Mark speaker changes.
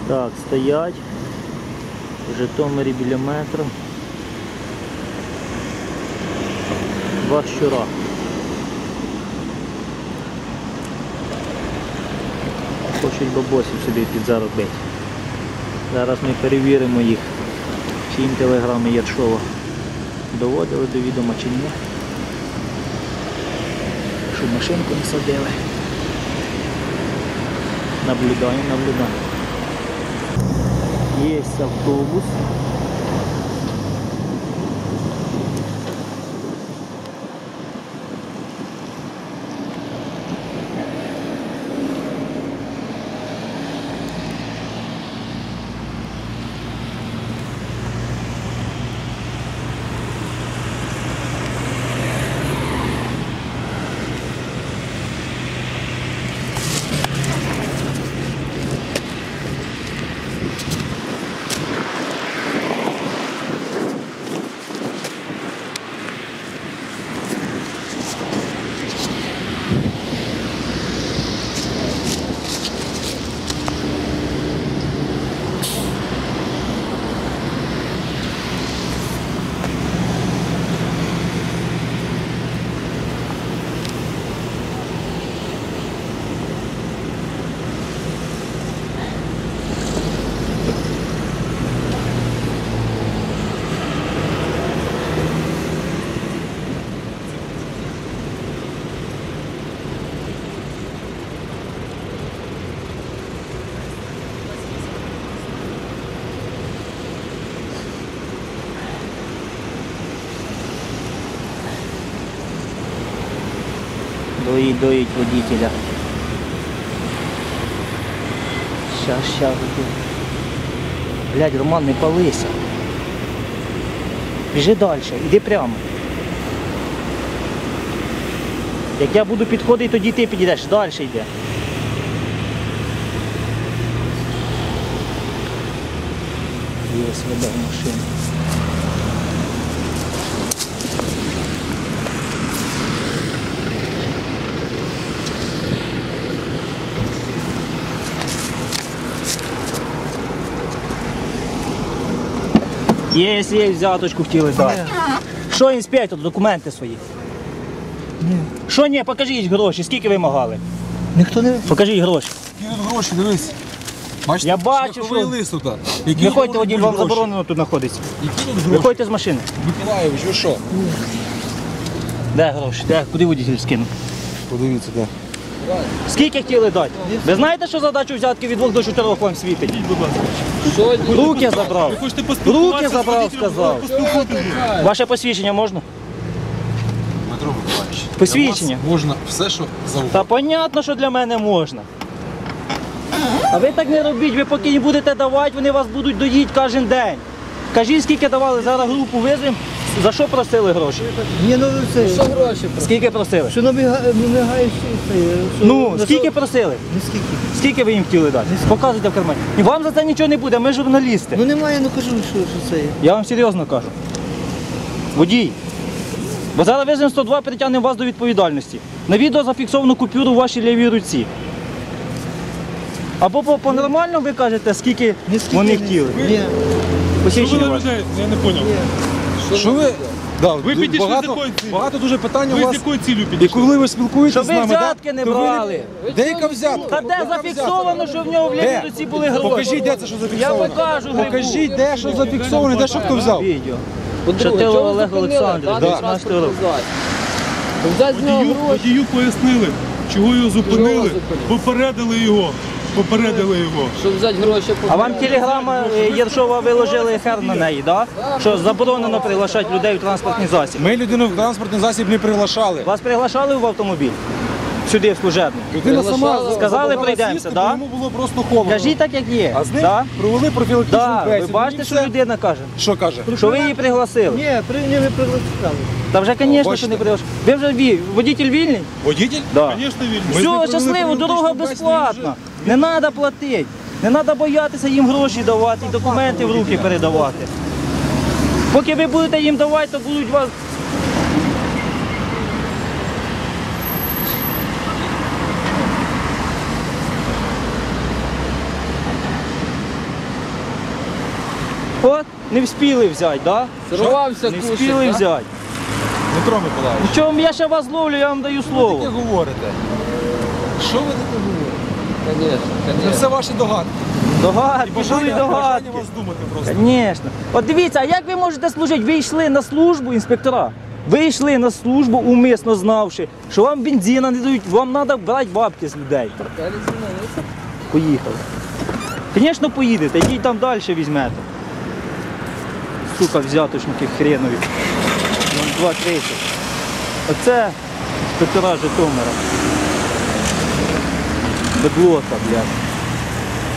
Speaker 1: Так, стоять в Житомирі біля метро. Два щура. Хочуть бабосів собі підзаробити. Зараз ми перевіримо їх, чи їм телеграми Єршова доводили до відома чи ні. Щоб машинку не садили. Наблюдаємо. Є автобус. Доїть водителя. Щас. Блядь, Роман, не палися. Біжи далі, іди прямо. Як я буду підходити, тоді ти підійдеш, далі йде. Є веде машина. Є, взяточку хотіли дати. Що, інспектор, документи свої?
Speaker 2: Ні.
Speaker 1: Що ні, покажіть гроші, скільки вимагали?
Speaker 2: Ніхто не...
Speaker 1: Покажіть гроші.
Speaker 2: Які тут гроші, дивись. Бачите,
Speaker 1: Я бачу,
Speaker 2: шляховий
Speaker 1: що...
Speaker 2: лист тут.
Speaker 1: Виходьте, водій, вам заборонено тут знаходиться.
Speaker 2: Які тут гроші?
Speaker 1: Виходьте з машини.
Speaker 2: Миколаївич, ви що?
Speaker 1: Де гроші? Де? Куди водій скинув?
Speaker 2: Подивіться, де.
Speaker 1: Скільки хотіли дати? Ви знаєте, що задачу взятки від 2 до 4 вам світить? Руки забрав. Руки забрав, сказав. Ваше посвідчення можна?
Speaker 2: Дмитро Миколаївич,
Speaker 1: Посвідчення.
Speaker 2: для вас можна все, що завгодно.
Speaker 1: Та понятно, що для мене можна. А ви так не робіть, ви поки не будете давати, вони вас будуть доїти кожен день. Кажіть, скільки давали, зараз групу визвемо. За що просили гроші?
Speaker 3: Ні, ну це що гроші?
Speaker 1: Скільки просили?
Speaker 3: Що намагаєш це?
Speaker 1: Ну, скільки просили?
Speaker 3: Ну скільки?
Speaker 1: Скільки ви їм хотіли дати? Показуйте в кармані. І вам за це нічого не буде, ми журналісти.
Speaker 3: Ну немає, ну кажу, що це є.
Speaker 1: Я вам серйозно кажу. Водій. Бо зараз визвемо 102, притягнемо вас до відповідальності. На відео зафіксовано купюру в вашій лівій руці. Або по-нормальному ви кажете, скільки вони хотіли.
Speaker 3: Ні.
Speaker 1: Посвідчення ваше.
Speaker 4: Я не зрозумів.
Speaker 2: Що ви? Да,
Speaker 4: Ви підійшли з якою цілею?
Speaker 2: багато дуже питань у
Speaker 4: Ви з
Speaker 2: вас.
Speaker 4: якою цілею
Speaker 2: І
Speaker 4: підійшли?
Speaker 2: коли ви спілкуєтеся
Speaker 1: Щоб
Speaker 2: з
Speaker 1: ви
Speaker 2: нами,
Speaker 1: взятки не
Speaker 2: то ви
Speaker 1: брали.
Speaker 2: Де яка взятка?
Speaker 1: Та де зафіксовано, що в нього в лівій
Speaker 2: Де?
Speaker 1: руці були гроші?
Speaker 2: Покажіть, де це що
Speaker 1: Я
Speaker 2: зафіксовано.
Speaker 1: покажу грибу.
Speaker 2: Покажіть, де що зафіксовано, де що хто взяв.
Speaker 1: Відео. Шатилов Олег Олександрович,
Speaker 2: Да.
Speaker 1: 19 років.
Speaker 3: Взяти з нього гроші.
Speaker 4: Водію пояснили, чого його зупинили,
Speaker 3: зупинили?
Speaker 4: попередили його.
Speaker 3: Щоб взяти гроші.
Speaker 1: А вам телеграма Єршова виложили хер на неї, да? Що заборонено приглашати людей в транспортний засіб.
Speaker 2: Ми людину в транспортний засіб не приглашали.
Speaker 1: Вас приглашали в автомобіль? Сюди, в служебний?
Speaker 2: Людина сама
Speaker 1: Сказали,
Speaker 2: забагала
Speaker 1: прийдемося,
Speaker 2: сісти,
Speaker 1: да?
Speaker 2: бо йому було просто холодно.
Speaker 1: Кажіть так, як є.
Speaker 2: А з ним
Speaker 1: Да?
Speaker 2: провели профілактичну
Speaker 1: Да. Ви
Speaker 2: бесіду.
Speaker 1: бачите,
Speaker 2: І
Speaker 1: що
Speaker 2: все.
Speaker 1: людина каже?
Speaker 2: Що каже?
Speaker 1: Що ви її пригласили?
Speaker 3: Ні, не пригласили.
Speaker 1: Та вже, звісно, що
Speaker 2: Бачите.
Speaker 1: не приглашали. Ви вже водитель вільний?
Speaker 2: Водитель?
Speaker 1: Да.
Speaker 4: Звісно, вільно.
Speaker 2: Ми з ним
Speaker 1: Все,
Speaker 2: провели
Speaker 1: щасливо, дорога
Speaker 2: профілактичну бесіду,
Speaker 1: безплатна. Не треба платити. Не треба боятися їм гроші давати і документи в руки передавати. Поки ви будете їм давати, то будуть вас... От, не вспіли взяти, да?
Speaker 3: Сорвався
Speaker 1: Не
Speaker 3: кушать,
Speaker 1: вспіли
Speaker 3: да?
Speaker 1: взяти.
Speaker 2: Дмитро Миколаївич,
Speaker 1: Чому я ще вас ловлю, я вам даю
Speaker 2: що ви
Speaker 1: слово.
Speaker 2: таке говорите? Що ви таке говорите?
Speaker 3: Конечно,
Speaker 2: Це
Speaker 3: конечно.
Speaker 2: все ваші догадки.
Speaker 1: Догадки, були
Speaker 2: Бажання
Speaker 1: догадки.
Speaker 2: вас думати просто.
Speaker 1: Звісно. От дивіться, а як ви можете служити? Ви йшли на службу, інспектора. Ви йшли на службу, умисно знавши, що вам бензина не дають, вам треба брати бабки з людей. Поїхали. Звісно, поїдете, йдіть там далі візьмете. Сука, взяточники хренові. 2.30. Оце інспектора Житомира. Бедлота, блядь.